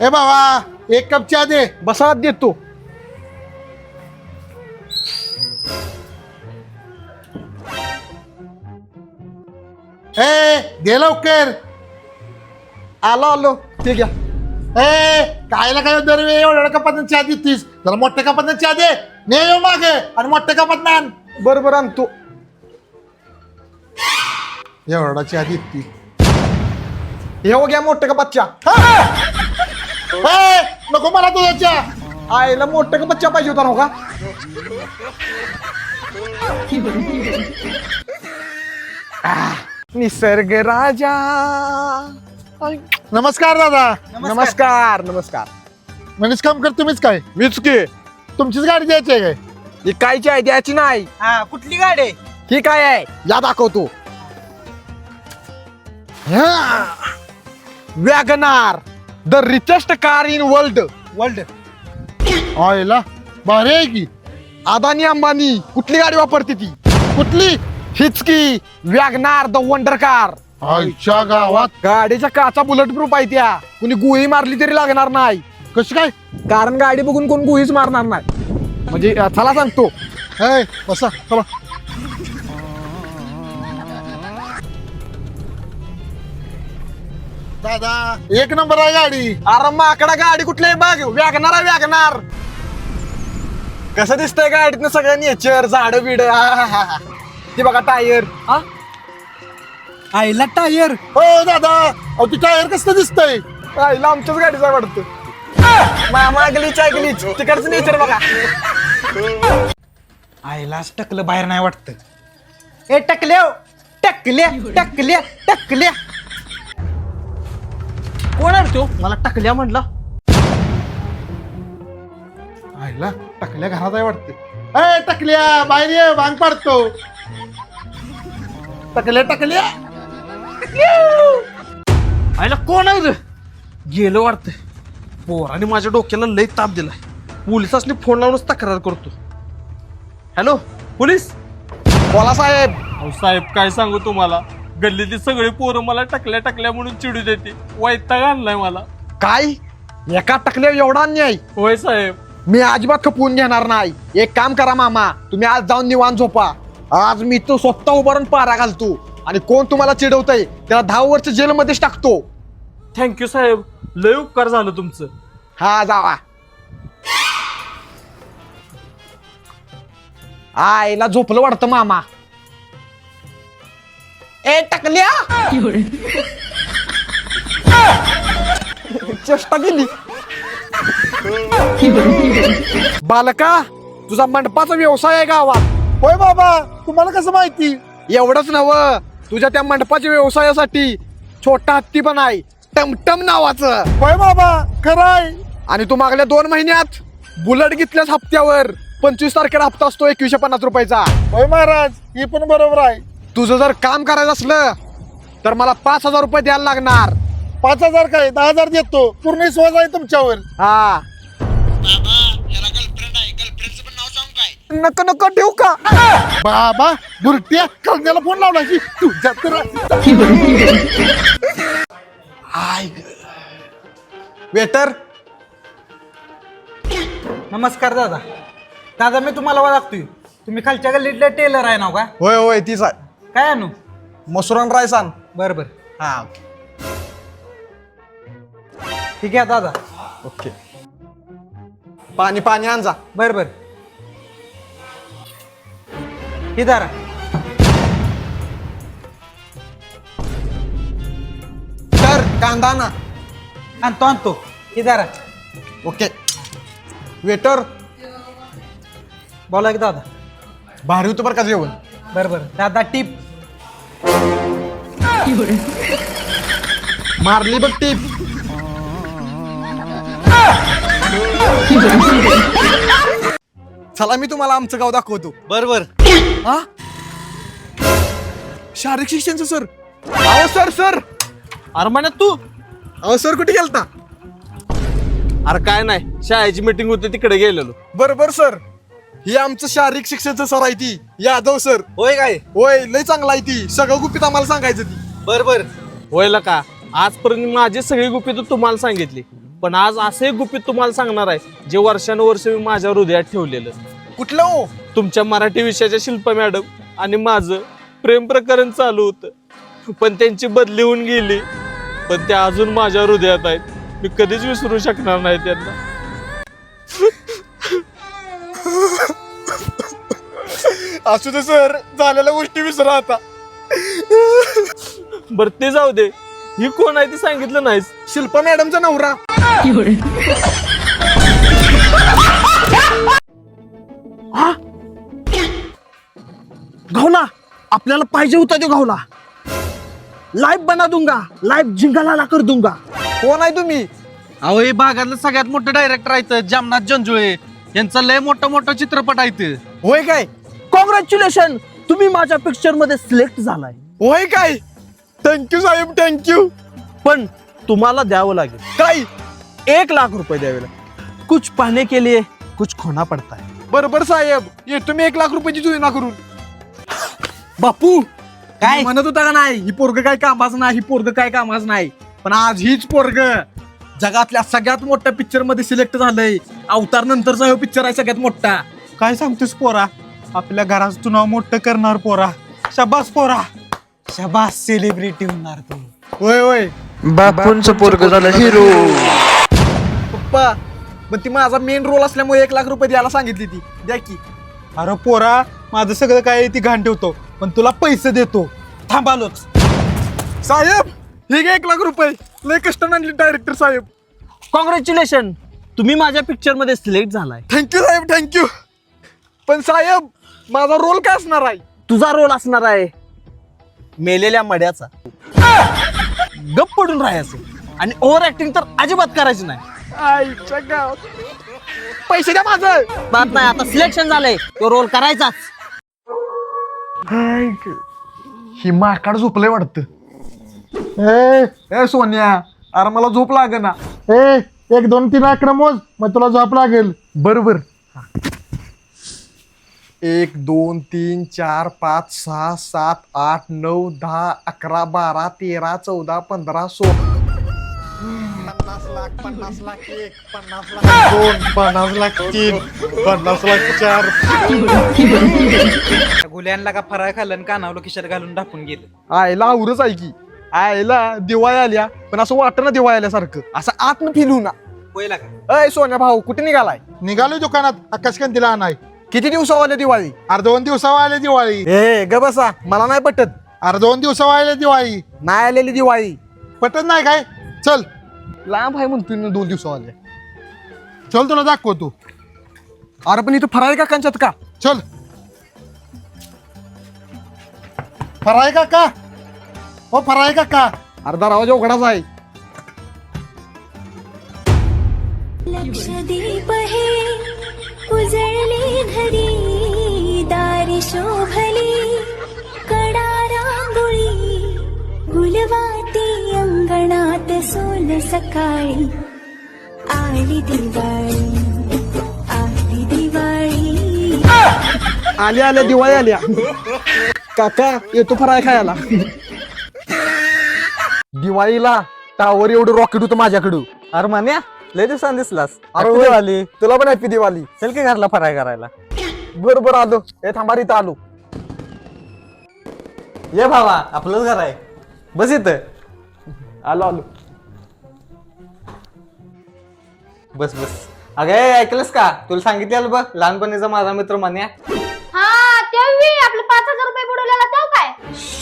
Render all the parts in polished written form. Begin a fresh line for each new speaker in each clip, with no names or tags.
ए बाबा एक कप चहा दे.
बसा देतो.
दे लवकर.
आलो आलो ठीक आहे.
कायला काय दरवेळी एवढ्या कपात चहा देतीस. जरा मोठ्या कपात चहा दे. ने येऊ मागे आणि मोठ्या कपात आण.
बरोबर आणतो.
एवढा चहा देती.
हे हो घ्या मोठ्या कपातच्या.
नको मला तुझा चहा.
आईला मोठ्या कपातच्या पाहिजे होता ना का. निसर्ग राजा.
नमस्कार दादा.
नमस्कार नमस्कार.
मनीष काम कर तुम्हीच काय.
मीच की.
तुमचीच गाडी द्यायची आहे काय.
ही कायची आहे द्यायची नाही.
कुठली गाडी आहे?
ही काय आहे या दाखवतो. WagonR the richest car in world.
आयला भारी आहे की.
अदानी अंबानी कुठली गाडी वापरते ती.
कुठली.
हीच की वॅगनार द वंडर कार.
आईच्या गावात.
गाडीच्या काचा बुलेट प्रूफ आहे त्या. कुणी गुही मारली तरी लागणार नाही.
कशी काय.
कारण गाडी बघून कोण गुहीच मारणार नाही. म्हणजे चला सांगतो.
बसा चला. दादा एक नंबर आहे गाडी.
अरे माकडा गाडी कुठली बघ. वॅगनार आहे वॅगनार. कसं दिसतंय गाडीतनं सगळं नेचर झाड बिड. ती बघा टायर.
आईला टायर.
हो दादा अहो ती टायर कसं दिसतंय.
आईला आमच्याच गाडीचा वाटतं. मामा गलीच आहे गलीच. तिकडचं नेचर बघा.
आईलाच टकलं बाहेर नाही वाटत. ए टकल्या टकल्या टकल्या टकल्या. कोण आहे तो. मला टकल्या म्हणला.
आईला टकल्या घरात आहे वाटते. टकल्या बाहेर ये भांग पाडतो. टकल्या टकल्या.
आईला कोण आहे रे. गेलो वाटत. पोराने माझ्या डोक्याला लई ताप दिलाय. पोलिसांनी फोन लावूनच तक्रार करतो. Hello police.
बोला साहेब.
अहो साहेब काय सांगू तुम्हाला. गल्लीतली सगळी पोरं मला टकल्या टकल्या म्हणून चिडू देते. वैताग आणलाय मला.
काय एका टकल्या एवढा अन्याय.
होय साहेब.
मी अजिबात खपवून घेणार नाही. एक काम करा मामा तुम्ही आज जाऊन निवांत झोपा. आज मी तो स्वतः उभारून पारा घालतो आणि कोण तुम्हाला चिडवतंय त्याला 10 वर्ष जेलमध्येच टाकतो.
थँक्यू साहेब. लय उपकार झालं तुमचं.
हा जावा. आईला झोपलं वाटतं मामा. ए टकल्या. चेष्टा केली. बालका तुझा मंडपाचा व्यवसाय आहे गावात.
होय बाबा तुम्हाला कसं माहिती.
एवढंच नव तुझ्या त्या मंडपाच्या व्यवसायासाठी छोटा हत्ती पण आहे. टमटम नावाचं.
होय बाबा खरं आहे.
आणि तू मागल्या 2 महिन्यात बुलेट घेतल्यास हप्त्यावर 25 तारखेला हप्ता असतो 2150 रुपयाचा.
होय महाराज ही पण बरोबर आहे.
तुझं जर काम करायचं असलं तर मला 5000 रुपये द्यायला लागणार.
5000 काय 10,000 देतो. पूर्ण विश्वास आहे तुमच्यावर.
हा नको नको ठेवू का.
बाबा बुरट्या करण्याला फोन लावला की तुझ्या तर.
वेटर.
नमस्कार दादा. दादा मी तुम्हाला ओळखतोय. तुम्ही खालच्या गल्लीतले टेलर आहे ना का.
होय होय तीच आहे.
काय आणू.
मसुरान राईस आण.
बर बर
हा
ठीक आहे दादा.
ओके. पाणी पाणी आण जा.
बर बर. ही दारा.
तर कांदा ना.
आणतो आणतो. ही दारा.
ओके. वेटर
बोला की दादा.
भारी होतं बरं का जेवण.
बर बर दादा टीप.
मारली बघ टीप. चला मी तुम्हाला आमचं गाव दाखवतो.
बर
हा शारीरिक शिक्षणचं सर. अहो सर सर.
अरे म्हणत तू.
अहो सर कुठे गेलता.
अरे काय नाही शाळेची मीटिंग होती तिकडे गेलेलो.
बरोबर सर. ही आमचं शारीरिक शिक्षणचं सर आहे ती यादव सर.
होय काय.
होय लय चांगला आहे ती. सगळं गुपित आम्हाला सांगायचं ती.
बर बर.
होय का. आजपर्यंत माझी सगळी गुपितं तुम्हाला सांगितली.
पण आज असं एक गुपित तुम्हाला सांगणार आहे जे वर्षानुवर्ष मी माझ्या हृदयात ठेवलेलं.
कुठलं हो?
तुमच्या मराठी विषयाच्या शिल्पा मॅडम आणि माझं प्रेम प्रकरण चालू होतं, पण त्यांची बदली होऊन गेली. पण त्या अजून माझ्या हृदयात आहेत. मी कधीच विसरू शकणार नाही त्यांना.
असू दे सर, झालेल्या गोष्टी विसरा आता.
बरं ते जाऊ दे, ही कोण आहे ती सांगितलं नाहीस.
शिल्पा मॅडमचा नवरा.
घावला, आपल्याला पाहिजे होता तो घावला. लाईव्ह बना दूंगा, लाईव्ह जिंगाला कर दूंगा.
कोण आहे तुम्ही?
अहो हे भागातलं सगळ्यात मोठं डायरेक्टर आहेत जामनाथ जंजुळे. यांचा लय मोठा चित्रपट आहे.
होय काय?
कॉंग्रॅच्युलेशन, तुम्ही माझ्या पिक्चर मध्ये सिलेक्ट झालाय.
होय काय? थँक्यू साहेब, थँक्यू.
पण तुम्हाला द्यावं लागेल
काय?
1,00,000 रुपये द्यावे लागेल. कुछ पाहने के लिए कुछ खोना पडता है.
बरोबर साहेब, ये तुम्ही 1,00,000 रुपयाची जुळणा करून. बापू काय म्हणत होता का नाही, ही पोरग काय कामाच नाही, ही पोरग काय कामाच नाही. पण आज हीच पोरग जगातल्या सगळ्यात मोठ्या पिक्चर मध्ये सिलेक्ट झालंय. अवतार नंतरचा हा पिक्चर आहे सगळ्यात मोठा.
काय सांगतोस पोरा, आपल्या घराचं तू नाव मोठं करणार पोरा. शाबास पोरा, शाबास, सेलिब्रिटी होणार तू.
होय होय.
बापूंचं पोरग झालं हिरो.
पप्पा, पण ती माझा मेन रोल असल्यामुळे 1,00,000 रुपये द्यायला सांगितली ती. द्या की.
अरे पोरा, माझं सगळं काय ती घाण ठेवतो, पण तुला पैसे देतो. थांबालोच.
साहेब हे घे 1,00,000 रुपये. लय कष्ट आणली डायरेक्टर साहेब.
कॉंग्रॅच्युलेशन, तुम्ही माझ्या पिक्चर मध्ये सिलेक्ट झालाय.
थँक्यू साहेब, थँक्यू. पण साहेब माझा रोल काय असणार आहे?
तुझा रोल असणार आहे मेलेल्या मड्याचा. गप पडून राहायचं आणि ओव्हर ऍक्टिंग तर अजिबात करायची नाही.
आईच्या गावात. पैसे द्या माझं.
बात नाही, आता सिलेक्शन झालंय, तो रोल करायचाच.
ही माकाड झोपलंय वाटतं. ए सोन्या, अरे मला झोप लागे ना.
1 2 3 आकडे मोज, मग तुला झोप लागेल.
बरोबर. 1 2 3 4 5 6 7 8 9 10 11 12 13 14 15 16. 50 लाख 50 लाख 1 50 लाख 2 50 लाख 3 50 लाख 4.
गुल्यांना का फराळ खाल्लं आणि कानावलं खिशात घालून ढापून गेलं.
आयला आवरच आहे की. आयला दिवाळी आल्या, पण असं वाटतं ना दिवाळी आल्यासारखं, असं आतनं फील होऊ ना.
होईल का?
अय सोन्या भाऊ, कुठे निघालाय?
निघालोय दुकानात आकाशकंदीला आणाय.
किती दिवसावाले दिवाळी?
2 दिवसावर आले दिवाळी.
ए ग बसा, मला नाही पटत.
2 दिवसावर आले दिवाळी.
नाही आलेली दिवाळी
पटत नाही काय? चल
लांब आहे म्हणतोय ना 2 दिवसावाले.
चल तुला दाखवतो.
अरे पण इथं फराळी काकांच्यात का?
चल. फराय काका, हो फराय काका.
अर्धा दरवाजा उघडाच आहे.
लक्षदीप हे उजळले घरी, दारी शोभली कडा रांगोळी, गुलवाती अंगणात सोल सकाळी. आली दिवाळी, आली दिवाळी.
आल्या आल्या दिवाळी आल्या. काका येतो फराळ खायला. दिवाळीला टावर एवढं रॉकेट होतं माझ्याकडं.
अरे मान्या, लय दिवसांनी दिसलास.
अरे होय. दिवाळी तुला पण हॅपी दिवाळी.
चल की घरला फराळ करायला.
बरोबर आलो. हे थांबा, इथं आलो.
ये भावा, आपलंच घर आहे, बस इथं.
आलो आलो.
बस बस. अगे ऐकलंस का, तुला सांगितलं बघ लहानपणीचा माझा मित्र मान्या.
हा तेव्हा आपलं 5,000 रुपये बुडवलेला तेव्हा काय?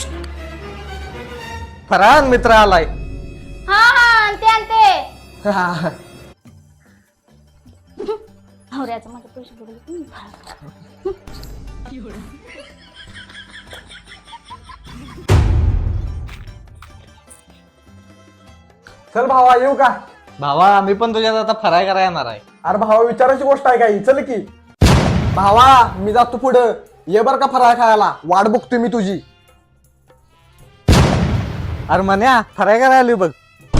फराळ मित्र आलाय.
हा हा ते नवऱ्याचं माझे पैसे बुडवले.
चल भावा, येऊ का?
भावा मी पण तुझ्यात आता फराळ करायला येणार आहे.
अरे भावा, विचारायची गोष्ट आहे काही. चल की भावा, मी जातो पुढं. ये बर का फराळ खायला, वाट बघतोय मी तुझी.
अरे मान्या, फराळ करायला आली बघ.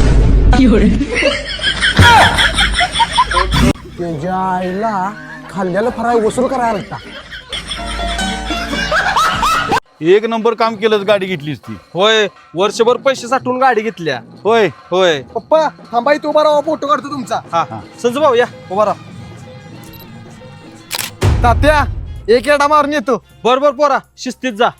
त्याच्या आईला खाल्ल्याला फराळ वसूल करायला लागता.
एक नंबर काम केलंच, गाडी घेतलीस ती.
होय, वर्षभर पैसे साठवून गाडी घेतल्या.
होय.
होय.
पप्पा थांबा इथे उभा राहा, फोटो काढतो तुमचा.
हा संजू भाऊ या.
उभा राहा. तात्या एक येडा मारून येतो.
बरोबर पोरा, शिस्तीत जा.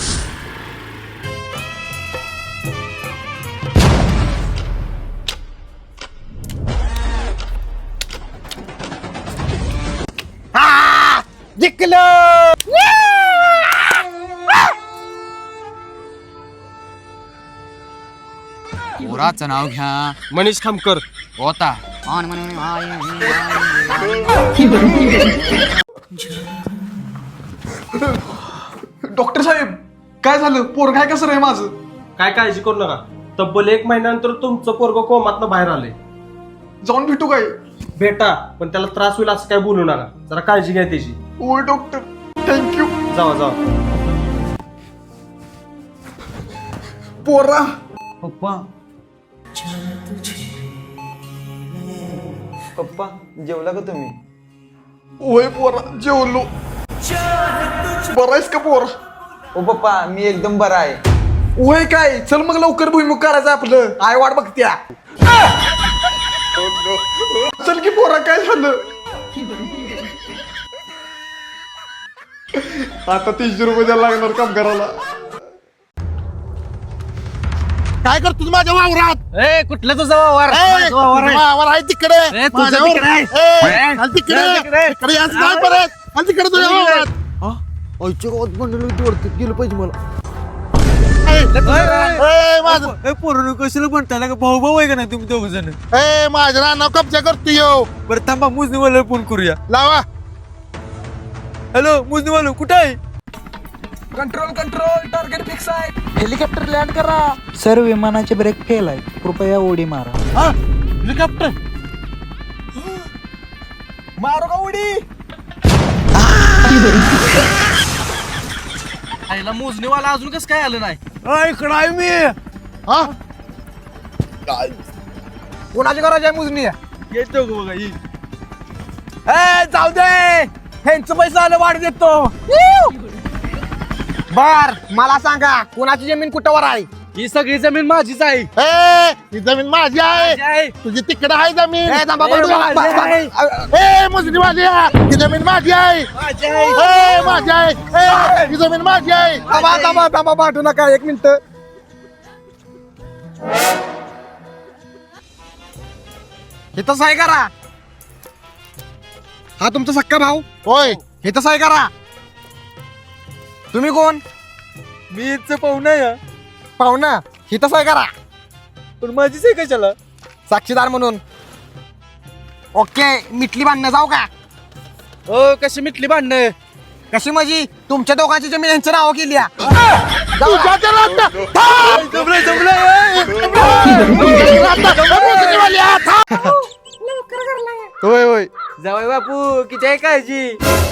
पोराचं नाव घ्या.
मनीष खामकर.
होता
डॉक्टर साहेब काय झालं? पोरग आहे कसं रे माझं?
काय काळजी करू नका, तब्बल 1 महिन्यानंतर तुमचं पोरग कोमातनं बाहेर आलंय.
जाऊन भेटू काय?
भेटा, पण त्याला त्रास होईल असं काय बोलू नका. जरा काळजी घ्या त्याची.
ओय डॉक्टर थँक्यू.
जावा जावा.
पोरा
पप्पा पप्पा जेवला का तुम्ही?
ओय पोरा जेवलो. बरा आहेस का पोरा?
ओ पप्पा मी एकदम बरा आहे.
ओय काय, चल मग लवकर भुईमुग काढायचं आपलं. आय वाट बघत्या. चल की पोरा, काय झालं? आता 300 रुपये द्यायला लागणार काम करायला.
काय करतो माझ्या वावरात?
कुठलं तुझा वावर?
वावर आहे तिकडे.
ए, तुझं
माझ्या
तिकडे आहे.
वावर- चल तिकडे. तिकडे यायचं नाही परत. चल तिकडे तुझ्या वावरात.
गेलं पाहिजे मला.
माझं
पोरण कशाला म्हणताय का? भाऊ भाऊ आहे का नाही तुम्ही दोघ जण?
माझ्या रानावर कब्जा करतो येऊ.
बरं थांबा, मुजनीवाला फोन करूया.
लावा.
हॅलो मुजनीवाला, कुठं आहे? कंट्रोल कंट्रोल, टार्गेट फिक्स आहे.
हेलिकॉप्टर लँड करा. सर विमानाचे ब्रेक फेल आहे, कृपया उडी मारा.
हेलिकॉप्टर
मारो का उडी?
आईला मोजणीवाला अजून कसं काय आलं नाही?
इकडं आहे मी.
हा
कोणाच्या घराची आहे मुजनी?
येतो का बघा ही.
जाऊ दे, ह्यांचं पैसा आलं वाढ देतो. बर मला सांगा, कोणाची जमीन कुठवर आहे?
ही सगळी जमीन माझीच आहे.
ही जमीन माझी आहे. तुझी तिकडे आहे जमीन. मुस्लिमवाली ही जमीन माझी आहे. माझी आहे. ही जमीन माझी आहे.
थांबा पाठवू नका, 1 मिनिट. हे तसं आहे करा. हा तुमचा सक्का भाऊ.
होय.
हे तसं आहे करा. तुम्ही कोण?
मी इथचं पाहुणा या.
पाहुणा. हे तसं आहे करा.
पण माझीच आहे कशाला?
साक्षीदार म्हणून. ओके, मिटली भांडणं जाऊ का?
हो, कशी मिटली भांडणं?
कशी माझी? तुमच्या दोघांची जमीन यांचं नाव केली.
होय होय.
जावई बापू, किती आहे काळजी.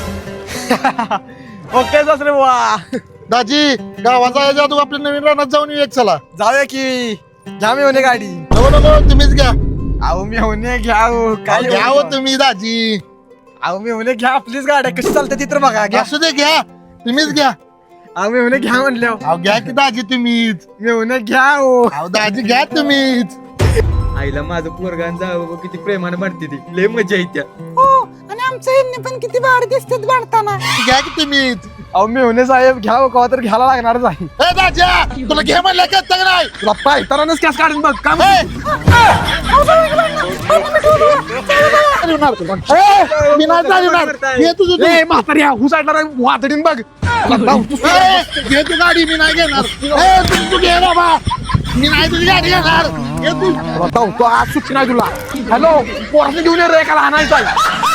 ओके सासरे बुवा.
दाजी गावात जायच्या तू आपल्या नवीन रानात जाऊन येऊ. एक चला.
जाऊया की. घ्या मी होणे गाडी.
नको तुम्हीच घ्या.
अहो मी होणे घ्या हो. काय
घ्या हो तुम्ही दाजी.
अहो मी होणे घ्या, प्लीज. गाड्या कशी चालते ती तर बघा. घ्या.
असू दे घ्या. तुम्हीच घ्या.
अहो मी होणे घ्या म्हणल्या.
अहो घ्या की दाजी तुम्हीच.
मी होणे घ्या हो.
अहो दाजी घ्या तुम्हीच.
आईला माझं पोरगान जावं किती प्रेमाने म्हणते ती. लय मजा येत्या.
आणि आमच्या यांनी पण किती भारी दिसतात बांधताना.
घ्या की तुम्हीच.
अहो मी होणे साहेब घ्या हो, कवा तर घ्यायला लागणारच आहे.
दाजा तुला घे म्हणलं का तग नाही.
तुला पायतानाच कॅस काढून बघ. काम
मी नाही चालवणार. घे तुझं तू.
म्हातारी हुसाडणार वातडीन बघ.
घे तू गाडी. मी नाही घेणार. तू घे ना बा. मी नाही तुझी गाडी घेणार. घे तू.
तो आज सुट्टी नाही तुला. हॅलो, पोराने घेऊन ये रे, एकाला आणायचं आहे.